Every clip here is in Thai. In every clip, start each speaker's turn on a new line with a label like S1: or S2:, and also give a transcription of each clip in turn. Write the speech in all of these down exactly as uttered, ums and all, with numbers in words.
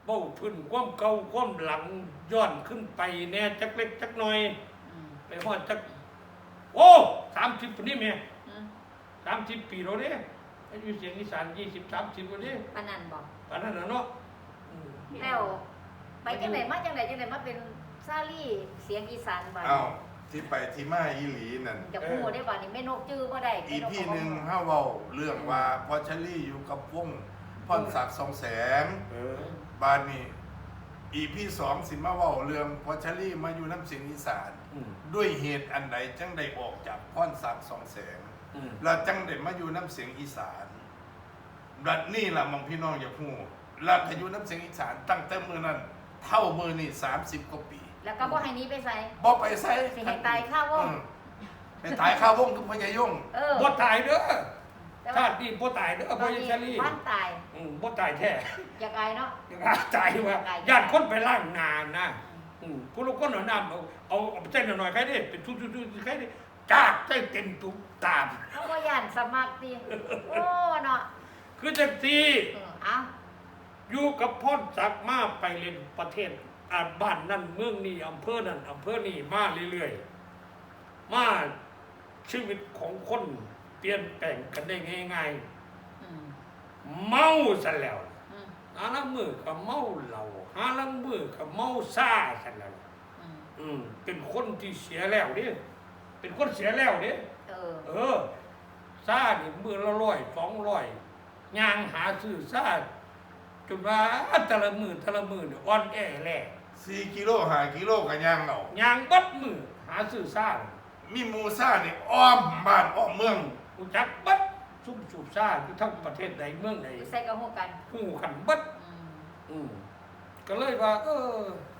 S1: เบ้าพื้นความเก่าความหลังย้อนขึ้นไปแน่จักเล็กจักน้อยไปฮอดจักโอ้สามสิบปีนี่แม่สามสิบปีแล้วเด้อายุเสียงอีสานยี่สิบสามสิบแล้วเด้
S2: ปานนันบอก
S1: ปานนั้นน่ะเนาะ
S2: แล้วไปจังไหนมาจังไหนจังไหนมาเป็นซาลี่เสียงอีสานบ้าน
S3: อ้าวที่ไปที่มาอีหลีนั่น
S2: จะพูดได้บ่านี่แม่นกจื้อบ่ได้
S3: อีพี่หนึ่งห้าเว้าเรื่องว่าพอชลี่อยู่กับวงพรศักดิ์สองแสง
S1: เออ
S3: บ้านนี้อีพี่สองสิมาเว้าเรื่องพอชลี่มาอยู่น้ำเสียงอีสาน
S1: อืม
S3: ด้วยเหตุอันใดจังได้ออกจากพรศักดิ์สองแสง
S1: อืม
S3: แล้วจังได้มาอยู่น้ำเสียงอีสานรัดนี่ล่ะมองพี่น้องอย่าพูดแล้วก็อยู่น้ำเสียงอีสานตั้งแต่มือนั้นเท่ามือนี่สามสิบกว่าปี
S2: แล้วก็บ่ให้หนี้ไปใส่
S3: บ่ไปใส่
S2: สิให้ตายข้าววง
S3: อืมไปตายข้าววงคือพญายง
S2: เออ
S1: บ่ตายเด้อ
S2: แต่
S1: ชา
S2: ว่า
S1: ตินี้บ่ตายเด้อบ่ยังชาลี
S2: บ้านตาย
S1: อืมบ่ตายแท้
S2: อยากอายเนาะ
S1: ยังหาตายว่าญาติคนไปล้างนานนะอืมผู้ลูกคนเอาน้ำเอาเอาเอาเส้นหน่อยๆใครได้เป็นชุดๆๆใครได้จากใส่เต็มตุกตาม
S2: เขาบ่ย่านสมัครติโอ้เนาะ
S1: คือจังซี่
S2: เออเอา
S1: อยู่กับพรศักดิ์มาไปเล่นประเทศอ่าบ้านนั่นเมืองนี้อำเภอนั่นอำเภอนี้มาเรื่อยๆมาชีวิตของคนเปลี่ยนแปลงกันได้ง่าย
S2: อืม
S1: ๆเมาซะแล้ว
S2: อืม
S1: หาลังมือก็เมาเหล้าหาลังมือก็เมาซ่าซะแล้ว
S2: อืม
S1: อืมเป็นคนที่เสียแล้วเด้เป็นคนเสียแล้วเด้
S2: เออ
S1: เออซ่านี่มือละร้อยสองร้อยย่างหาซื้อซ่าจนว่าแต่ละมือแต่ละมือเนี่ยอ่อนแอแหล่
S3: สี่กิโลห้ากิโลกันย่างเอา
S1: ย่างบัดมือหาซื้อซ่า
S3: มีหมูซ่านี่อ้อมบ้านอ้อมเมือง
S1: รู้จักบัดซุ่มสูบซ่าอยู่ทั้งประเทศใดเมืองใด
S2: ใส่กระหูกัน
S1: หูขันบัด
S2: อืม
S1: อืมก็เลยว่า เออ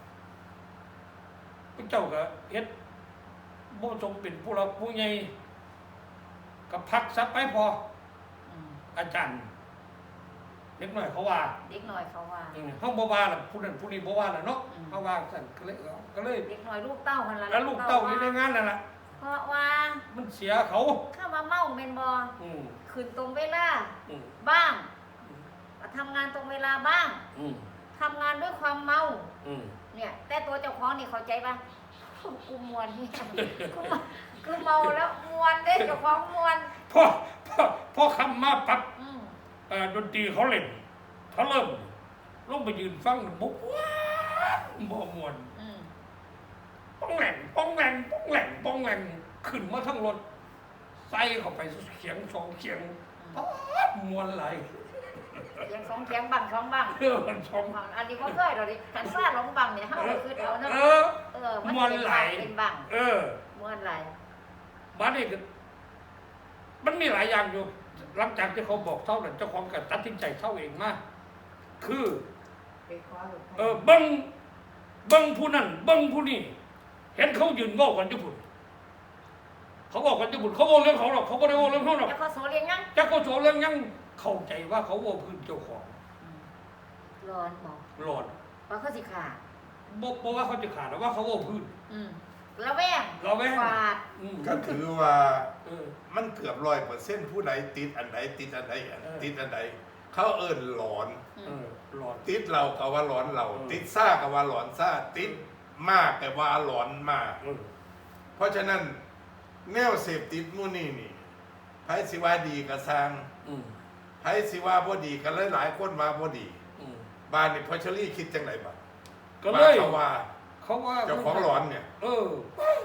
S1: พระเจ้าก็เฮ็ดบ่ทรงเป็นผู้รับผู้ใหญ่ก็พักซับไปพอ
S2: อืม
S1: อาจารย์เล็กน้อยเขาว่า
S2: เด็กน้อยเขาว่า
S1: อืมเฮาบ่ว่าล่ะผู้นั้นผู้นี้บ่ว่าล่ะเนาะ
S2: อืม
S1: เฮาว่าซั่นก็เลยเอาก็เลย
S2: เด็กน้อยลูกเต้าหั่นล่ะ
S1: แล้วลูกเต้าอยู่ในงานนั่นล่ะ
S2: เพราะว่า
S1: มันเสียเขา
S2: เข้ามาเมาแม่นบ่
S1: อืม
S2: ขึ้นตรงเวลา
S1: อืม
S2: บ้างทำงานตรงเวลาบ้าง
S1: อืม
S2: ทำงานด้วยความเมา
S1: อืม
S2: เนี่ย แต่ตัวเจ้าของนี่เข้าใจป่ะกูมวนนี่กูมากูเมาแล้วมวนเด้เจ้าของมวน
S1: พอพอพอคำมาปั๊บ
S2: อืม
S1: เอ่อดนตรีเขาเล่นเขาเริ่มลงไปยืนฟังบุกว้าวบ่ม่วน
S2: อืม
S1: ป้องแหลงป้องแหลงป้องแหลงป้องแหลงขึ้นมาทั้งรถใส่เข้าไปเขียงสองเขียงป๊าดม่วนไหลาย
S2: เสียงสองเสียงบังสองบัง
S1: เออมันสอง
S2: อันนี้ก็เคยเราดิขันซ่าหลงบังเนี่ยเฮาก็คือเอาเนาะ
S1: เออ
S2: เออมัน
S1: ม่วน
S2: เป็น
S1: ไหล
S2: บังเป็นบัง
S1: เออ
S2: ม่วนไหล
S1: บ้านนี้ก็มันมีหลายอย่างอยู่ หลังจากที่เขาบอกเท่านั้นเจ้าของก็ตัดสินใจเท่าเองมาคือ เออเบิ้งเบิ้งผู้นั้นเบิ้งผู้นี้เห็นเขายืนโง่กันญี่ปุ่นเขาบอกกันญี่ปุ่นเขาโง่เรื่องเขาหรอกเขาไม่ได้โง่เรื่องเขาหรอก
S2: แล้วเขาโซเลียงยัง
S1: จะเขาโฉเรื่องยังเข้าใจว่าเขาโง่พื้นเจ้าของ
S2: ร้อนบอก
S1: หลอด
S2: ว่าเขาสิขาด
S1: บอกบอกว่าเขาจะขาดแต่ว่าเขาโง่พื้น
S2: อืมระแวง
S1: ระแวง
S2: ฟาด
S1: อืม
S3: ก็ถือว่า
S1: เออ
S3: มันเกือบร้อยเปอร์เซ็นต์ผู้ใดติดอันใดติดอันใดอัน
S1: เออ
S3: ติดอันใดเขาเอิ้นหลอน
S2: อื
S1: เอ
S2: ม
S1: อหลอด
S3: ติดเราก็ว่าหลอนเรา
S1: เออ
S3: ติดซ่าก็ว่าหลอนซ่าติดมากแต่ว่าหลอนมาก
S1: เออ
S3: เพราะฉะนั้นแนวเสพติดมู่นี่นี่ไผสิว่าดีก็สร้าง
S1: อืม
S3: ไผสิว่าบ่ดีก็หลายๆคนว่าบ่ดี
S1: อืม
S3: บ้านนี่พอชลี่คิดจังไดบัด
S1: ก็เลย
S3: เขาว่า
S1: เขาว่า
S3: เจ้าของหลอนเนี่ย
S1: เออ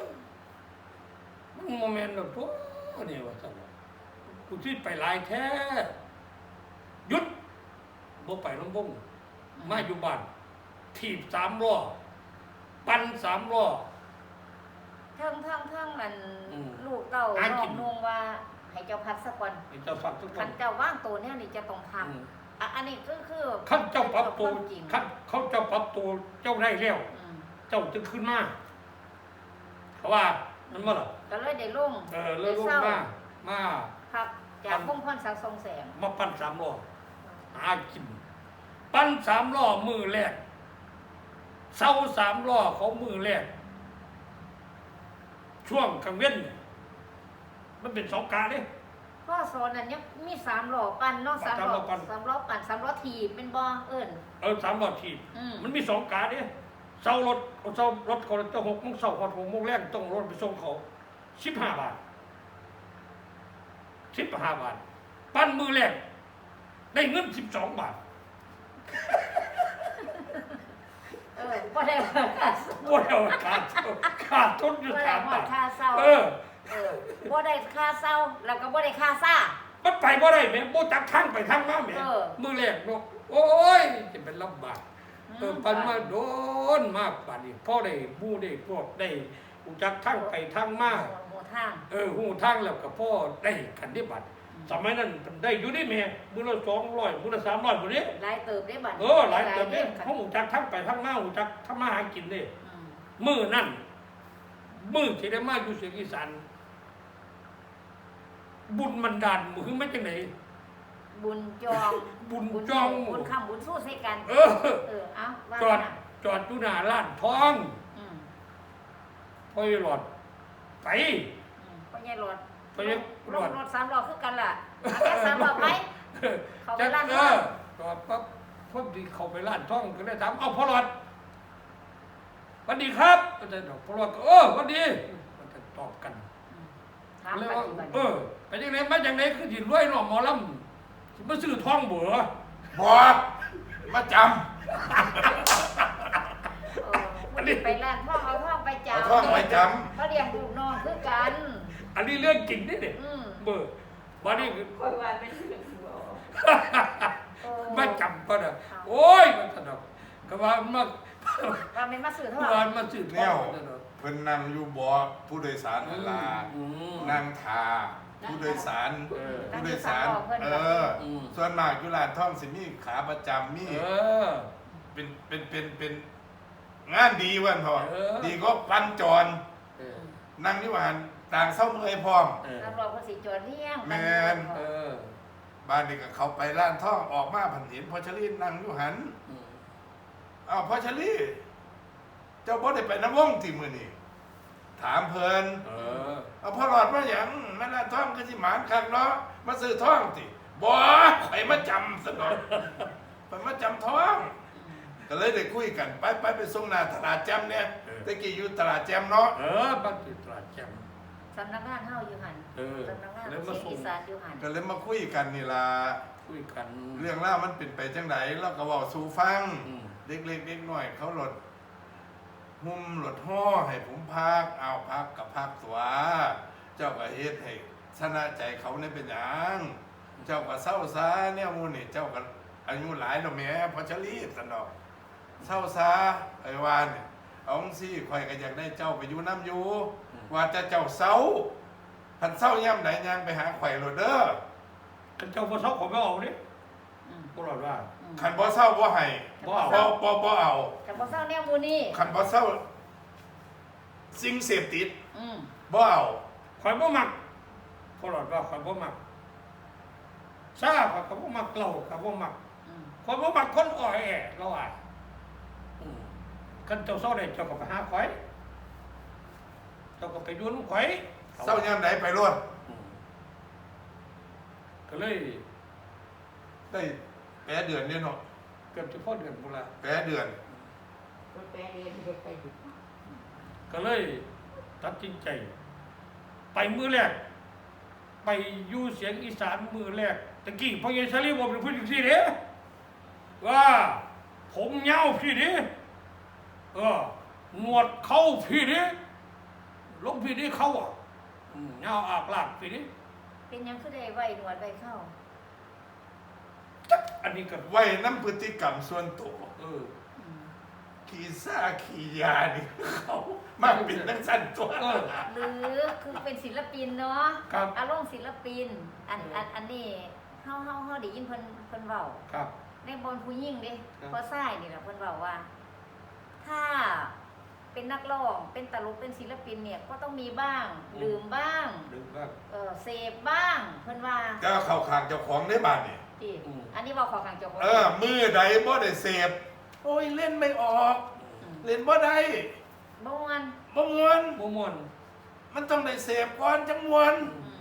S1: มันโมเมนต์แบบตัวนี่ว่าสั่งกูที่ไปหลายแท้หยุดบ่ไปลำบงมาอยู่บ้านถีบสามล้อปั่นสามล้อ
S2: เทิงเทิงเทิงมัน
S1: อืม
S2: ลูกเต้า
S1: หา
S2: น้อ
S1: กิ
S2: ง
S1: น
S2: นุ่งว่าให้เจ้าพัดสักวัน
S1: ไอ้เจ้าฝักทุกค
S2: ขั
S1: น
S2: นเจ้าว่างตัวเนี่ยนี่จะต้องท
S1: อืม
S2: ำอ่ะอันนี้ก็คือ
S1: ขั้นเจ้าปรับตัว
S2: เป็นความจริง
S1: ขั้นเขาเจ้าปรับตัวเจ้าได้แล้ว
S2: อืม
S1: เจ้าจึงขึ้นมาเขาว่ามันมาหรอ
S2: ก็เลยได้ลง
S1: เออเลยลง
S2: ได้ศร้
S1: มามา
S2: ครับจากพงพรสังทรงแสง
S1: มาปั้นสามล้อหากิน ปั้นสามล้อมือแรกเสาสามล้อเขามือแรกช่วงกลางเว้นเนี่ยมันเป็นสองกาเนี่ย
S2: พ่อสอนนั่นยังมีสามล้อปั่นเนาะสามล้อ
S1: สามล้อปั่น
S2: สามล้อปั่นสามล้อถีบเป็นบ่เอิ้น
S1: เออสามหลอดถีบ
S2: อืม
S1: มันมีสองกาเนี่ยเสารถเอาเสารถคนจะหกโมงเสาร์หกโมงแรกต้องรถไปส่งเขาสิบห้าบาทสิบห้าบาทปั้นมือแรกได้เงินสิบสองบาท
S2: เออบ่ได้ว่าค่า
S1: โอ้ยเอาขาดขาดทุนอยู่
S2: บ่ได้
S1: สาม
S2: ว่า
S1: บาท
S2: ค่าเศร้า
S1: เออ
S2: เออบ่ได้ค่าเศร้าแล้วก็บ่ได้ค่าซ่า
S1: มันไปบ่ได้แม่บ่จักทางไปทางมาแม่
S2: เออ
S1: มือแรกเนาะโอ้ยจะเป็นลำบากเออปันมาโดนมากป่านนี้พ่อได้บู้ได้พวกได้หูจักทางไปทางมา
S2: หมู่ทาง
S1: เออหูทางแล้วก็พ่อได้คันได้บัตรสมัยนั้นได้อยู่ได้แม่มือละสองร้อยมือละสามร้อยบ่นี้
S2: หลายเติบได้บัด
S1: เออหลายเติมเด้
S2: ค่ะ
S1: เขาหูจักทางไปทางมาหูจักทำมาหากินเด้
S2: อืม
S1: มือนั่นมือที่ได้มาอยู่เสียงอีสานบุญมันดานมือไม่จังไหน
S2: บุญจอง
S1: บุญจอง
S2: บุญคำบุญสู้ใส่กัน
S1: เออ
S2: เออเอาว่า
S1: จอด
S2: น่ะ
S1: จอดอยู่หน้าร้านทอง
S2: อืม
S1: พ่อหลอดไป
S2: อืมพ่อใหญ่รถ
S1: พ่อใหญ่รถ
S2: รถรถสามล้อคือกันล่ะเอาแค่สามล้อไป เขาไปร้าน
S1: เอ
S2: ทอง
S1: อจอดปั๊บพอดีเขาไปร้านทองก็เลยถามเอาพ่อหลอดสวัสดีครับก็จะบอกพ่อหลอดก็เออสวัสดีมันจะตอบกัน
S2: ถาม
S1: เลย
S2: ไป
S1: ว่า
S2: ที่บัด
S1: เออไปยังไงมาจากไหนคือสิรวยเนาะหมอลำสิมาซื้อทองเบื่อ
S3: บอกมาจ
S2: เออวันนี้ไปร้านทองเอาทองไป
S3: ำ
S2: จา
S3: เอาท่องไปจ
S2: เขาเลี้ยงลูกน้องคือกัน
S1: อันนี้เรื่องจริงนี่เนี่ย
S2: อืม
S1: เบื่อวันนี้คือ
S4: คอยว่าเป็นเรื่องหัว
S2: เออ
S1: มาจำก็ได้โอ้ยมันสนุกก็ว่ามา
S2: ว่าไม่มาซื้อเท่าไห
S1: ว่า
S2: ร่
S1: มาซื้อ
S3: ำ
S1: ท
S3: แน
S1: อ
S3: ว
S1: งสนุก
S3: เพิ่นนั่งอยู่บ่อผู้โดยสารนั่นล่ะ
S1: อืม
S3: นั่งทาผู้โดยสาร
S1: เออ
S3: ผู้โดยสาร เออ
S1: อืม
S3: ส่วนมากอยู่ร้านท่องสิมีขาประจำมี
S1: เออ
S3: เป็นเป็นเป็นเป็นงานดีเวันพอ
S1: เออ
S3: ดีก็ปันจร
S1: เออ
S3: นั่งอยู่หันต่างเศร้าเมื่อยพร้อม
S1: เออ
S2: ตำรวจภาษีจอดเลี้ยง
S3: แม่น
S1: เออ
S3: บ้านนี้ก็เขาไปร้านท่องออกมาผันเห็นพอชลีนั่งอยู่หัน
S1: อืม
S3: อ้าวพอชลีเจ้าบ่ได้ไปน้ำวงที่มื้อนี้ถามเพิ่น
S1: เออ
S3: เอาพ่อหลอดมาหยังแม่ร้านท่องก็สิหมานคักเนาะมาซื้อท่องติบ่ไปมาจำซะหน่อยไปมาจำท่อง ก็เลยได้คุยกันไปไปไปส่งหน้าตลาดแจมเนี่ยตะกี้อยู่ตลาดแจมเนาะ
S1: เออบ้านติดตลาดแจ่ม
S2: สำนักงานเฮาอยู่หัน
S1: เออ
S2: สำนักงาน
S1: แล้ว
S2: เสี
S1: มาย
S2: ง
S1: ส่ง
S2: อีสานอยู่หัน
S3: ก็เลยมาคุยกันนี่ล่ะ
S1: คุยกัน
S3: เรื่องราวมันเป็นไปจังไดเราก็เว้าสู่ฟัง
S1: อืม
S3: เด็กๆเด็กน้อยเขาหลดหุ้มหลดห่อให้ผมพักเอาพักกับพักตัวเจ้าก็เฮ็ดให้ชนะใจเขาเนี่ยเป็นหยังเจ้าก็เศร้าซาเนี่ยหมูนี่เจ้าก็อายุหลายแล้วแหม่พอจะรีบสันดอกเศร้าซาไอ้วานเนี่ยเอาจังซี่ข่อยก็อยากได้เจ้าไปอยู่น้ำอยู่ ว่าจะเจ้าเศร้าพันเศร้าย่ำไหนย่างไปหาข่อยโลดเด้อ
S1: กันเจ้าพ่อชอบผมไม่เอานี่
S2: อืม
S1: พวกเราว่า
S2: อืม
S3: ขันบ่เศร้าบ่ให้
S1: บ่เอา
S3: บ่บ่บ่เอา
S2: แต่บ่เศร้าแนวหมูนี่
S3: ขันบ่เศร้าสิ่งเสพติด
S2: อืม
S3: บ่เอา
S1: ข่อยบ่มักพวกเราว่าข่อยบ่มักซาข่อยก็บ่มักเหล้าข่อยบ่มัก
S2: อืม
S1: ข่อยบ่มักคนอ่อยแอเราอ่ะอืมกันเจ้าเศร้าได้เจ้าก็ไปหาข่อยเจ้าก็ไปอยุ่นำข่อย
S3: เศร้าย่ำไหนไปรวด
S1: อืมก็เลย
S3: ได้แปดเดือนเนี่ยเนาะ
S1: เกือบจะพอเดือนบุละ
S3: แปดเดือน
S4: คนแปลเองคนไปอยู่
S1: ก็เลยตัดสินใจ ไปมือแรก ไปอยู่เสียงอีสานมือแรกตะกี้พ่อใหญ่ชาลีบอกเป็นผู้หญิงสิเด้ว่าผมเงาพี่เด้เออหนวดเข้าพี่เด้ลงพี่เด้เข้าอ่ะอืมเงาอากลากพี่เด้
S2: เป็นหยังคือได้ไว้หนวดไว้เข้า
S1: จักอันนี้ก็
S3: ไว้น้ำพฤติกรรมส่วนตัว
S1: เออ
S2: อืม
S3: ขี่ซ่าขี่ยานี่เขามาเป็นนักสั้นตัว
S1: เออ
S2: หรือคือเป็นศิลปินเนาะ
S1: ครับ
S2: อารมณ์ศิลปิน อันอันอันนี้เฮาเฮาเฮาได้ยินเพิ่นเพิ่นเว้า
S1: ครับ
S2: ในบนผู้หญิงเด้
S1: ครับ
S2: พอซ้ายนี่แหละเพิ่นเว้าว่า ถ้าเป็นนักร้องเป็นตลกเป็นศิลปินเนี่ยก็ต้องมีบ้างลืมบ้าง
S1: ดึงบ้าง
S2: เออเสพบ้าง เพิ่นว่า
S3: ก็เข้าข้างเจ้าของได้บ้านนี่
S2: ที่
S1: อืม
S2: อันนี้เว้าเขอข้างเจ้าของ
S3: เออ มือใดบ่ได้เสพโอ้ยเล่นไม่ออก
S2: ม
S3: เล่นบ่ได้
S2: บ่ม่วน
S3: บ่มวน
S1: มม่วน
S3: มันต้องได้เสพก่อนจังมวน
S2: อืม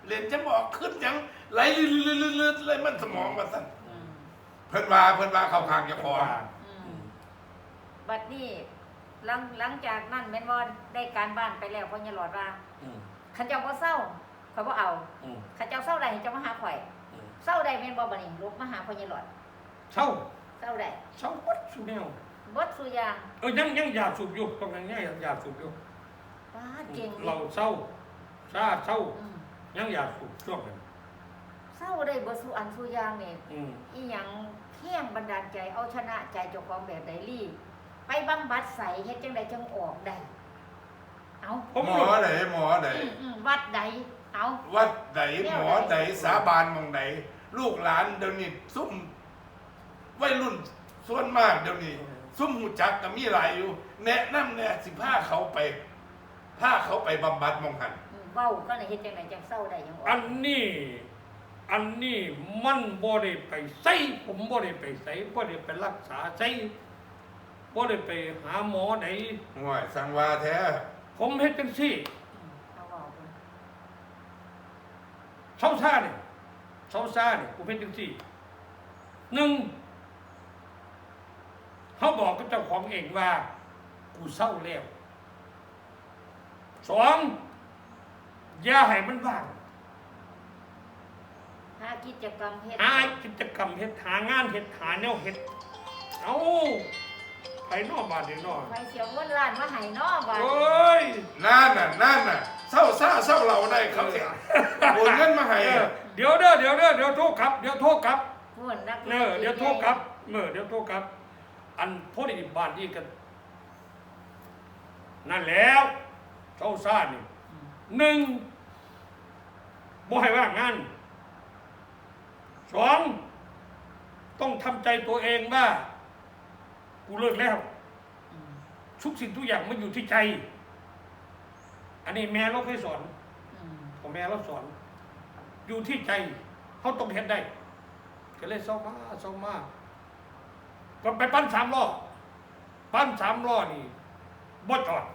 S3: เรียนจะบอกขึ้นหยังไหลลื่นๆๆๆเลยมันสมองว่าซั่น
S2: อืม
S3: เพิ่นว่าเพิ่นว่าเข้าข้างเจ้าของ
S2: อืมบัดนี้หลังหลังจากนั้นแม่นบ่ได้การบ้านไปแล้วพ่อใหญ่หลอดว่า
S1: อืม
S2: คันเจ้าบ่เศร้าข่อยบ่เอา
S1: อืม
S2: คันเจ้าเศร้าได้ให้เจ้ามาหาข่อย
S1: อืม
S2: เศร้าได้แม่นบ่บัดนี้ลุกมาหาพ่อใหญ่หลอด
S1: เศร้า
S2: เศร้าได้
S1: เศร้าวัดสุแนว
S2: บ่สุอยาง
S1: เออยังยังอยากสูบอยู่ตรงนั้นยังอยากสูบอยู่
S2: ป้าดเก่ง
S1: เราเศร้าซาเศร้า
S2: อืม
S1: ยังอยากสูบช่วงนั้น
S2: เศร้าได้บ่สุอันสุอยางนี่
S1: อืม
S2: อีหยังเพียงบันดาลใจเอาชนะใจเจ้าของแบบใดลี่ไปบำบัดใสเฮ็ดจังไดจังออกได้เอา
S1: ผม
S3: หมอไหนหมอไหน
S2: อืมอืมวัดใดเอา
S3: วัดไหนหมอไหนสาบานหมองไหนลูกหลานเดี๋ยวนี้ซุ่มวัยรุ่นส่วนมากเดี๋ยวนี้ซุ่มหูจักก็มีหลายอยู่ แนะนำแน่สิพาเขาไปพาเขาไปบำบัดหมองหัน
S2: อืมเว้าก็เลยเฮ็ดจังไดจังเศร้าได้จังออก
S1: อันนี้ อันนี้มันบ่ได้ไปใส่ผมบ่ได้ไปใส่บ่ได้ไปรักษาใส่บ่ได้ไปหาหมอไหน
S3: ห่วยสังวาแท้
S1: ผมเฮ็ดจังซี่
S2: อืมเอาเว้าเพิ่น
S1: เช้าซ่าเนี่ยเช้าซ่าเนี่ยผมเฮ็ดจังซี่หนึ่งเขาบอกกับเจ้าของเองว่า กูเศร้าแล้วสองอย่าให้มันว่าง
S2: หากิจกรรมเฮ็ด
S1: หากิจกรรมเฮ็ดหางานเฮ็ดหาแนวเฮ็ดเอาไปนอกบ้านเดี๋ยวนอก
S2: ไปเสียเงินล้านมาให้เนาะว่า
S1: โอ้ย
S3: นั่นน่ะนั่นน่ะเศร้าซ่าเศร้าเราได้เขาสิโอนเงินมาให้
S1: เออเดี๋ยวเด้อเดี๋ยวเด้อเดี๋ยวโทษครับเดี๋ยวโทษครับ
S2: พูดนัก
S1: เออเดี๋ยวโทษครับเออเดี๋ยวโทษครับ อันพอดีบ้านนี่กันนั่นแล้วเช้าซ่านี่
S2: อืม
S1: หนึ่งบ่ให้ว่างงานสองต้องทำใจตัวเองว่า กูเลิกแล้ว
S2: อืม
S1: ทุกสิ่งทุกอย่างมันอยู่ที่ใจ อันนี้แม่เราเคยสอน
S2: อืม
S1: ของแม่เราสอน อยู่ที่ใจเขาต้องเห็นได้ ก็เลยเศร้ามาเศร้ามาก็ไปปั้นสามล้อปั้นสามล้อนี่บ่จอด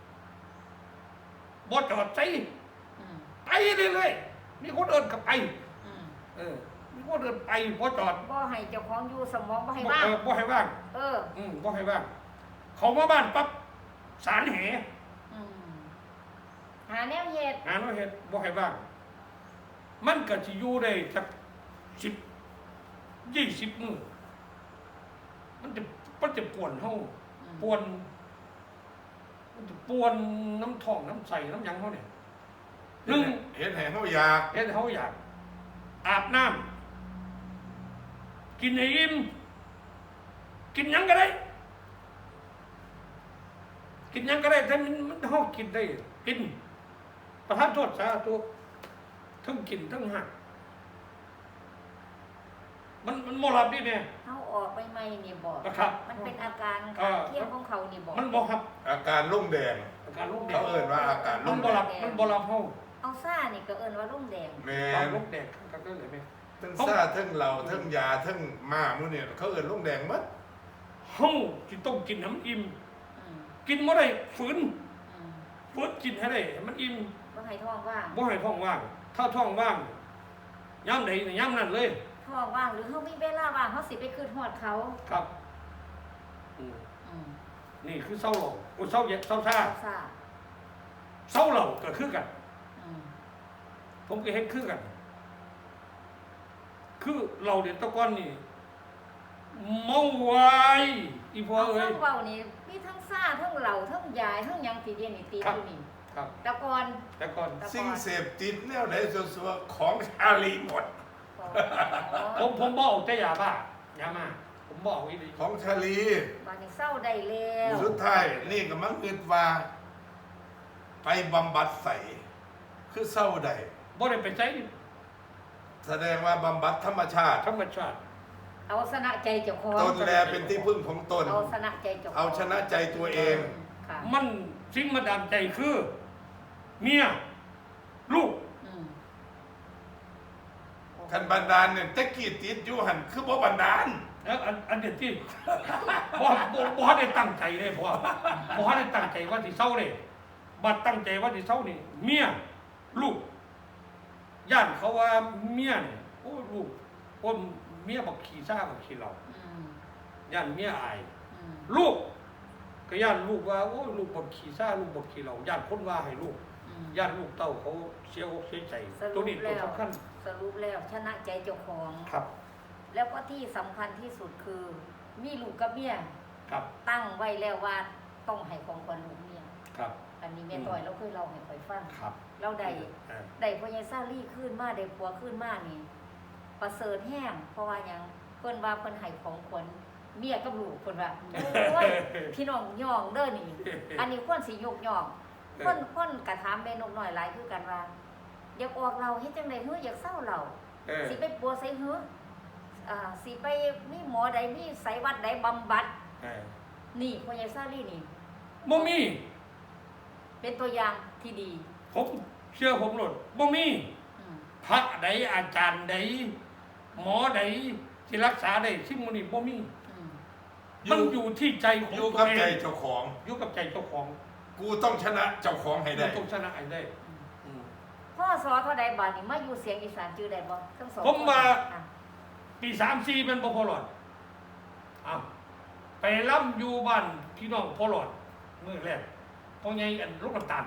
S1: บ่จอดใจ
S2: อืม
S1: ไปเรื่อยๆมีคนเดินกับไป
S2: อืม
S1: เออมีคนเดินไปบ่จอด
S2: บ่ให้เจ้าของอยู่สมองบ่ให้
S1: บ่
S2: ว่าง
S1: เออบ่ให้ว่าง
S2: เออ
S1: อืมบ่ให้ว่าง เขามาบ้านปั๊บสารแห
S2: อืมหาแนวเฮ็ด
S1: งานว่าเฮ็ดบ่ให้ว่าง มันก็สิอยู่ได้สักสิบยี่สิบมื้อมันจะมันจะปวนเฮา
S2: อืม
S1: ปวนมันจะปวนน้ำท้องน้ำใสน้ำหยังเฮาเนี่ยหนึ่ง
S3: เห็นแห่เขาอยาก
S1: เฮ็ดให้เฮาอยาก อาบน้ำกินให้อิ่มกินหยังก็ได้ กินหยังก็ได้แต่มันมันเฮากินได้ กิน ประทานโทษสาธุทั้งกินทั้งหักมันมันบ่หลับดิแม่
S2: เฮาออกไปใหม่นี่บ่
S1: นะครับ
S2: มันเป็นอาการ
S1: เออ
S2: เที่ยงของเขานี่บ่
S1: มันบ่ครับ
S3: อาการลุ่มแดง
S1: อาการลูกแด
S3: เขา
S1: ง
S3: เอ่นว่าอาการ
S1: มั
S3: ลุ่
S1: น
S3: ม
S1: บ่
S3: แด
S1: หลั
S3: ง
S1: บมันบ่หลับเฮา
S2: เอาซ่านี่ก็เอิ้นว่าลุ่มแดง
S3: แม่
S1: ตอน
S3: น
S1: ลูกแดงครับก็เลยแม่
S3: ทั้งซ่าทั้งเราทั้งยาทั้งม้ามื้อนี่เขาเอ่นลุ่มแดงหมด
S1: เฮาสิต้องกินให้มันอิ่ม
S2: อืม
S1: กินบ่ได้ฝืน
S2: อืม
S1: ฝืนกินให้ได้ให้มันอิ่ม
S2: บ่ให้ท้องว่าง
S1: บ่ให้ท้องว่าง ถ้าท้องว่างยามใดนี่ยามนั้นเลย
S2: ท้องว่างหรือเฮามีเวลาว่างเฮาสิไปคืนฮอดเขา
S1: ครับอืม
S2: อืม
S1: นี่คือเศร้าหลงโอ้ยเศร้าเย็นเศร้าซ่า
S2: เอาซ่า
S1: เศร้าเหล่าก็คือกัน
S2: อืม
S1: ผมก็เห็นคือกัน คือเราเด็ดตะก้อนนี่เมาไวายอีพ่อ
S2: เอา
S1: เอ้
S2: ฟั
S1: ย
S2: งเว้านี่มีทั้งซ่าทั้งเหล้าทั้งยายทั้งหยังที่เรียนนี่ติด
S1: ครับ
S2: อยู่นี่
S1: ครับ
S2: แต่ก่อน
S1: แต่ก่อน
S3: สิ่งเสพติดแนวไหนสัวๆของชาลีหมด
S2: อ๋อ
S1: ผมผมบอกแต่ยาบ้ายามา ผมบอกอีหลี
S3: ของชาลี
S2: บัดนี้เศร้าได้แล้ว
S3: สุดท้ายนี่ก็มังคิดว่า ไปบำบัดใส่คือเศร้าใด
S1: บ่ได้ไปใช้
S3: แสดงว่าบำบัดธรรมชาติ
S1: ธรรมชาติ
S2: เอาชนะใจเจ้าของ
S3: ตนแลเป็นที่พึ่งของตน
S2: เอาชนะใจเจ้าของ
S3: เอาชนะใจตัวเอง
S2: ค่ะ
S1: มันสิ่งมาดามใจคือ เมียลูก
S2: อืม
S3: คันบันดาลเนี่ยตะกี้ติดอยู่หันคือบ่บันดาล
S1: แล้วอันอันเด็ดที่ บ่บ่บ่ได้ตั้งใจเลยพ่อบ่ได้ตั้งใจว่าสิเศร้าเลยบัดตั้งใจว่าสิเศร้านี่เมียลูกย่านเขาว่าเมียเนี่ยโอ้ลูกคนเมียบอกขี่ซ่าบอกขี่เรา
S2: อืม
S1: ย่านเมียอาย
S2: อืม
S1: ลูกก็ย่านลูกว่าโอ้ลูกบอกขี่ซ่าลูกบอกขี่เราย่านคนว่าให้ลูก
S2: อืม
S1: ย่านลูกเต้าเขาเสียอกเสียใจ
S2: ส
S1: ตั
S2: รุ
S1: ว
S2: ป
S1: นี้ตัว
S2: แล้ว
S1: สำคัญ
S2: สรุปแล้วชนะใจเจ้าของ
S1: ครับ
S2: แล้วก็ที่สำคัญที่สุดคือ มีลูกกับเมีย
S1: ครับ
S2: ตั้งไว้แล้วว่าต้องให้ของขวัญลูกเมีย
S1: ครับ
S2: อันนี้แม่ต้อยเราเคยเล่าให้ข่อยฟัง
S1: ครับ
S2: เราได้
S1: เออ
S2: ได้พ่อใหญ่ซาลี่ขึ้นมาได้ผัวขึ้นมานี่ประเสริฐแห้งเพราะว่าหยังเพิ่นว่าเพิ่นให้ของขวัญเมียกับลูกเพิ่นว่าโอ้ยพี่น้องย่องเด้อนี่ อันนี้ควรสิยกย่องคนคนกระถามแม่นกน้อยหลายคือกันว่าอยากออกเราเฮ็ดจังได๋ฮืออยากเศร้าเรา
S1: เออ
S2: สิไปปัวใส่หื้ออ่าสิไปมีหมอใดมีไสวัดใดบำบัด
S1: เออ
S2: นี่พ่อใหญ่ซาลี่นี่
S1: บ่มี
S2: เป็นตัวอย่างที่ดี
S1: ผมเชื่อผมหลดบ่มี
S2: อืม
S1: พระใดอาจารย์ใดหมอใดที่รักษาได้สิ่งมันนี้บ่มี
S2: อืม
S1: มันอยู่ที่ใจของ
S3: อยู่
S1: ตัว
S3: กับ
S1: เอ
S3: ใจ
S1: ง
S3: เจ้าของ
S1: อยู่กับใจเจ้าของ
S3: กูต้องชนะเจ้าของให้ได้
S1: เราต้องชนะให้ได้อืม
S2: พ่อสอเท่าใดบาดนี่มาอยู่เสียงอีสานจื้อได้บ่ทั้งสอง
S1: ผมว่า
S2: อ่ะ
S1: ปีสามสี่เป็นบ่พอหลอดอ้าวไปล่ำอยู่บ้านพี่น้องพอหลอดมื้อแรกพ่อใหญ่อันลูกน้ำตาล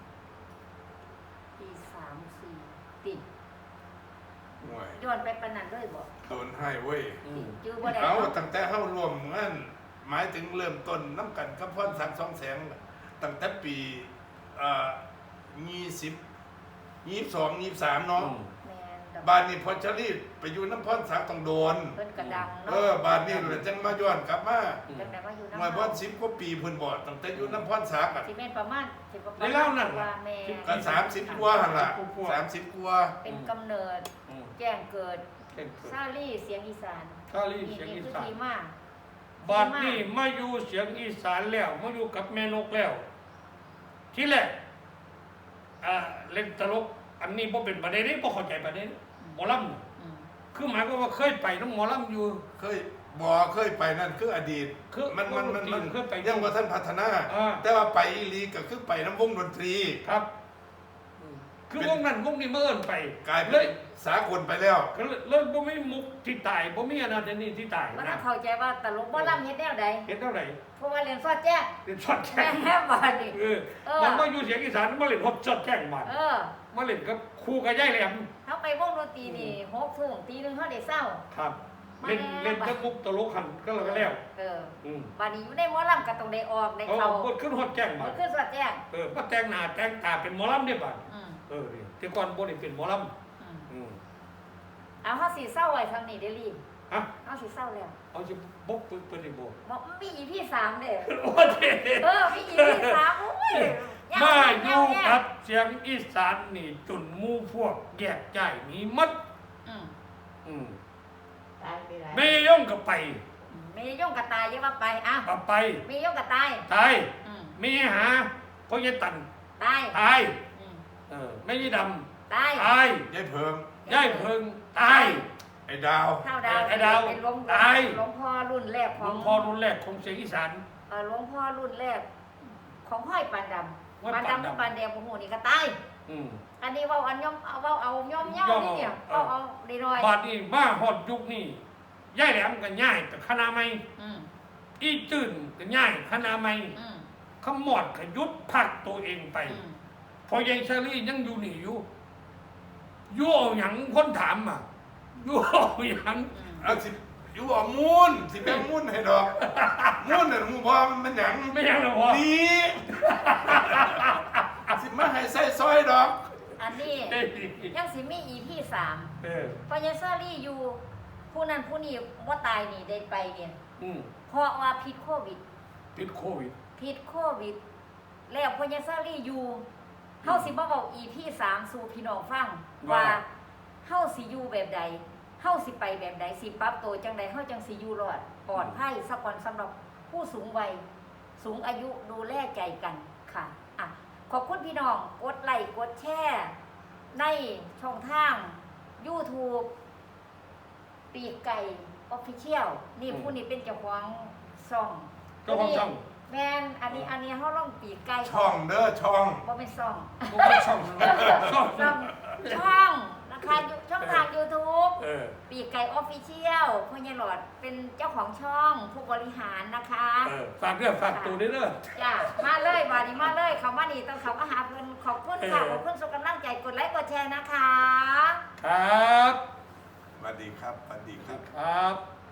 S2: ปีสามสี่ติด
S3: ห่วย
S2: ย้อนไปปานนั้นเลยบ่
S3: โดนให้เว้ย
S1: อืม
S2: จื้อบ่ได้
S3: เอา
S2: เนาะ
S3: ตั้งแต่เข้ารวมงานหมายถึงเริ่มต้นน้ำกันกับพ่อนสังสองแสงตั้งแต่ปีเอ่อยี่สิบยี่สิบสองยี่สิบสามเนาะ
S1: อืม
S2: แม่นดอก
S3: บ้านนี้พอชรีไปอยู่น้ำพ่อนสังต้องโดน
S2: เพิ่นก็ดัง
S3: เอ
S2: เนาะ
S3: อบ้านนี้เลยจังมาย้อนกลับมา
S2: จังได๋มาอยู่
S3: หน่วย
S2: นำ
S3: พ่อนสิบกว่าปีเพิ่นบ่ตั้งแต่อยู่น้ำพ่อนสักอ่ะ
S2: สิแม่นประมาณสิประมาณ
S1: ในเล่านั่น
S2: ว่าแม่
S3: ก็สามสิบกว่าหั่นล่ะ
S1: กว่า
S3: สามสิบกว่า
S2: เป็นกำเนิด
S1: อืม
S2: แจ้งเกิด
S1: เก่งเกิน
S2: ซาลี่เสียงอีสาน
S1: ซาลี่เสียงอี
S2: นี่คือ
S1: สาน
S2: ที่มา
S1: บัดนี้มาอยู่เสียงอีสานแล้วมาอยู่กับแม่นกแล้ว ที่แรกอ่าเล่นตลก อันนี้บ่เป็นประเด็นนี้บ่เข้าใจประเด็นหมอลำน่ะ
S2: อืม
S1: คือหมายความว่าเคยไปน้องหมอลำอยู่
S3: เคยบ่เคยไปนั่นคืออดีต
S1: คือ
S3: มันมันมันมัน
S1: เคยไป
S3: ยังว่าท่านพัฒนา
S1: อ่า
S3: แต่ว่าไปอีหลีก็คือไปน้ำวงดนตรี
S1: ครับอืมคือวงนั้นวงนี้เมื่อนไป
S3: กลาย
S1: เล
S3: เป็น
S1: ย
S3: สากลไปแล้ว
S1: ก็เลยเลยบ่มีมุกที่ตายบ่มีอันนั้นอันนี้ที่ตาย
S2: ว่า
S1: นะ
S2: ถ้าเข้าใจว่าตลกบ่ลำเฮ็ดแนวใด
S1: เห็นเท่าไหร่
S2: เพราะว่าเรียนซอดแจ้ง
S1: เล่นช็อตแจ้ง
S2: แม่บ้านนี่
S1: เออ
S2: เออ
S1: มันมาอยู่เสียงอีสานมาเล่นฮอตช็อตแจ้งมา
S2: เออ
S1: มาเล่นกับครูกับยายแหลม
S2: เฮาไปวงดนตรีนี่หกทุ่มตีหนึงเฮาได้เศร้า
S1: ครับ เล่นเล่นกับมุกตลกหันก็แล้วก็แล้ว
S2: เออ
S1: อืม
S2: บัดนี้อยู่ในหมอลำก็ต้องได้ออกได้
S1: เอา
S2: เข้า
S1: บทขึ้นฮอตแจ้งมา
S2: มันคือซอดแจ้ง
S1: เออมาแต่งหน้าแต่งตาเป็นหมอลำได้บัด
S2: อืม
S1: เออนี่แต่ก่อนบ่ได้เป็นหมอล
S2: อืม
S1: ำอืม
S2: เอาเฮาสิเศร้าไว้ทางนี้เด้อลี
S1: ฮะ
S2: เฮาสิเศร้าแล้ว
S1: เอาสิบ่เปิดเปิดได้บ่
S2: บอกมี อี พี สามเด้อ
S1: โอ้เด้
S2: เออมี อี พี สามโอ้ยยาว
S1: มาอ
S2: แน่
S1: ยู่
S2: แน่
S1: กับเสียงอีสานนี่จนหมู่พวกแยกย้ายหนีหมัด
S2: อืม
S1: อืม
S4: ตายไปหลาย
S1: แม่ย่องก็ไป
S2: มีย่องกระตายเยอะว่าไปอ่ะ
S1: ก็ไป
S2: มีย่องกระตาย
S1: ตาย
S2: อืม
S1: มีหาพ่อยายตัน
S2: ตาย
S1: ตาย
S2: อืม
S1: เออแม่ยายด
S2: ตาย
S1: ำตาย
S3: ยายเพิง
S1: ยายเพิงตาย
S3: ไอ้ดาว
S2: เท่าดาว
S1: ไอ้ดาว
S2: เป็นหลวง
S1: ตาย
S2: หลวงพ่อรุ่นแรก
S1: ห
S2: ข
S1: ล
S2: อ
S1: ว
S2: ง
S1: งพ่อรุ่นแรกของเสียงอีสาน
S2: เอ่อหลวงพ่อรุ่นแรก ของห้อยปานด
S1: ห้อย
S2: ำปาน
S1: ปานดำ
S2: ดำกับปานแดงโอ้โหนี่ก็ตาย
S1: อืม
S2: อันนี้เว่าอันย่อมเอาเว่าเอาย่อมเย่า
S1: ย่อม
S2: นี่เนี่ย
S1: เอา
S2: เอาเอาดีหน่อย
S1: บาดนี้มาฮอดยุคนี้ยายแหลมก็ย่ายกับคณะไม่
S2: อืม
S1: อีจื่นก็ย่ายคณะไม่
S2: อืม
S1: ขมอดขยุดพักตัวเองไป
S2: อืม
S1: พอยายเชอรี่ยังอยู่นี่อยู่อยู่เอาหยังคนถามอ่ะอยู่เอาหยัง
S2: อืม
S3: เอาสิอยู่ว่ามูนสิแบ่งมูนให้ดอกมูนน่ะหมูพอมันเป็นหยัง
S1: ไม่ยังหรอวะ
S3: นี่สิมาให้ใส่ซอยดอก
S2: อันนี้
S1: เอ้ย
S2: ยังสิมี อี พี สาม
S1: เออ
S2: พอยายเซอรี่อยู่ ผู้นั้นผู้นี้ว่าตายนี่ได้ไปเนี่ย
S1: อืม
S2: เพราะว่าพิษโควิด
S1: ติดโควิด
S2: พิษโควิด แล้วพอยายเซอรี่อยู่เฮาสิมาบอก อี พี สามสู่พี่น้องฟังว่าเฮาสิอยู่แบบใดเฮาสิไปแบบใดสิปรับตัวจังใดเฮาจังสิอยู่รอดปลอดภัยสักวันสำหรับผู้สูงวัยสูงอายุดูแลใจกันค่ะอ่ะขอบคุณพี่น้องกดไลค์กดแชร์ในช่องทาง YouTube ปีกไก่ Official นี่ผู้นี้เป็นเจ้าของช่อง
S1: เจ้าของช่อง
S2: แมนอันนี้อันนี้เฮาลองปีกไก่
S3: ช่องเด้อช่อง
S2: บ่เป็นช่อง
S1: บ่เป็นช่องช่อง
S2: ช่องช่องเอนะคะอยู่ช่องทาง YouTube
S1: เออ
S2: ปีกไก่ออฟฟิเชียลพ่อใหญ่หลอดเป็นเจ้าของช่องผู้บริหารนะคะ
S1: เออฝากเรื่องฝากตัวด้วยเด้อ
S2: จ้ามาเลยบาดีมาเลยเขามานี่ต้องเขามาหาเพื่อนขอบคุณค่ะ
S1: เออ
S2: ขอบคุณสุขกำลังใจกดไลค์กดแชร์นะคะ
S1: ครับ
S3: สวัสดีครับสวัสดี
S1: ส
S3: ค
S1: วั
S3: รั
S1: ส
S3: บ
S1: ดีครับ